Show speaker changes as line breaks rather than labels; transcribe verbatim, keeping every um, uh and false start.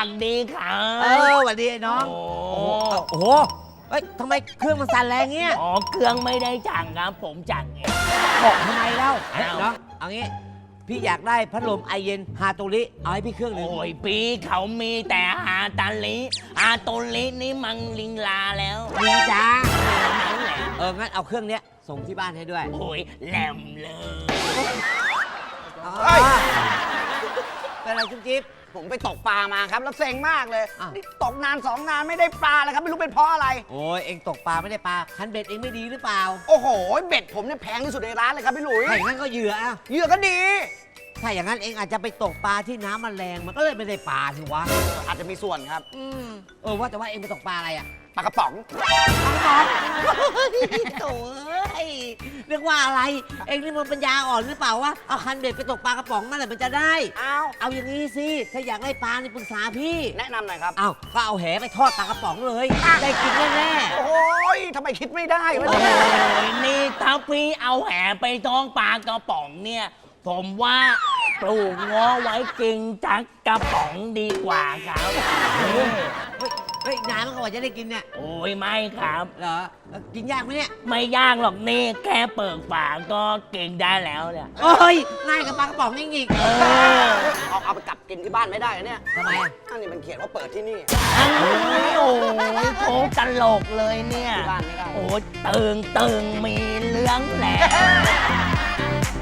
ดดีครับ
เออสวัสดีไอ้น้อง
โอ้
โอ้โหเฮ้ยทำไมเครื่องมันสั่นแรงเงี้ย
อ๋อเครื่องไม่ได้จังครับผมจังเอง
บอกทำไมเล่า
อ้าว
น้องเอางี้พี่อยากได้พัดลมไอเย็นฮาโตริเอาให้พี่เครื่องหนึง
โอ้ยปีเขามีแต่ฮาตาลิฮาโตลินี่มังลิงลาแล้ว
มีจ้า
นั่นแหละ
เอองั้นเอาเครื่องเนี้ยส่งที่บ้านให้ด้วย
โอ้ยแหลมเลย
เฮ้ยเป็นอะไรจุ๊บจิ๊บ
ผมไปตกปลามาครับ แล้วเซ็งมากเลย
อ้าว
นี่ตกนานสองนานไม่ได้ปลาเลยครับ ไม่รู้เป็นเพราะอะไร
โอ้ยเองตกปลาไม่ได้ปลาคันเบ็ดเองไม่ดีหรือเปล่า
โอ้โห เบ็ดผมเนี่ยแพงที่สุดในร้านเลยครับพี่หลุย
ถ้าอย่างนั้นก็เหยื่ออ่ะ
เหยื่อก็ดี
ถ้าอย่างนั้นเองอาจจะไปตกปลาที่น้ำมันแรงมันก็เลยไม่ได้ปลาสิวะ
อาจจะมีส่วนครับ
อืมเออว่าแต่ว่าเองไปตกปลาอะไรอ่ะ
ปลากระป๋อง
โถ่เอ้ยเรียกว่าอะไร เองนี่มันปัญญาอ่อนหรือเปล่าวะเอาคันเบ็ดไปตกปลากระป๋องนั่นแหละมันจะได้
อ้าว
เอาอย่างนี้สิ ถ้าอยากได้ปลานี่ปรึกษาพี่
แนะนำหน่อยครับ
เอาก็เอาแหไปทอดปลากระป๋องเลย ได้กินแน่
โอ้ยทำไมคิดไม่ได้วะ
โอ้
เนี่ย
ยนี่ถ้าพี่เอาแหไปท้องปลากระป๋องเนี่ย ผมว่าปลูกง้อไว้กินจักกระป๋องดีกว่าครับนี่
ๆเฮ้ยเฮ้ยนานมันกว่าจะได้กินเนี่ย
โอ้ยไม่ครับ
เหรอเอ้ากินยากไหมเนี่ย
ไม่ยากหรอกนี่แค่เปิดฝาก็กินได้แล้วเนี่ย
เอ้ยง่ายกับปลากระป๋องนี่อีก
เออ
เอาเอาไปกลับกินที่บ้านไม่ได้เหรอเนี่ย
ทำไมอ่ะ
อันนี้มันเขียนว่าเปิดที่นี่
อันนี้โอ้ยโคตลกเลยเนี่ย
ที่บ้านไม่ได้
โอ้ยตึงตึงมีเรื่องแหละ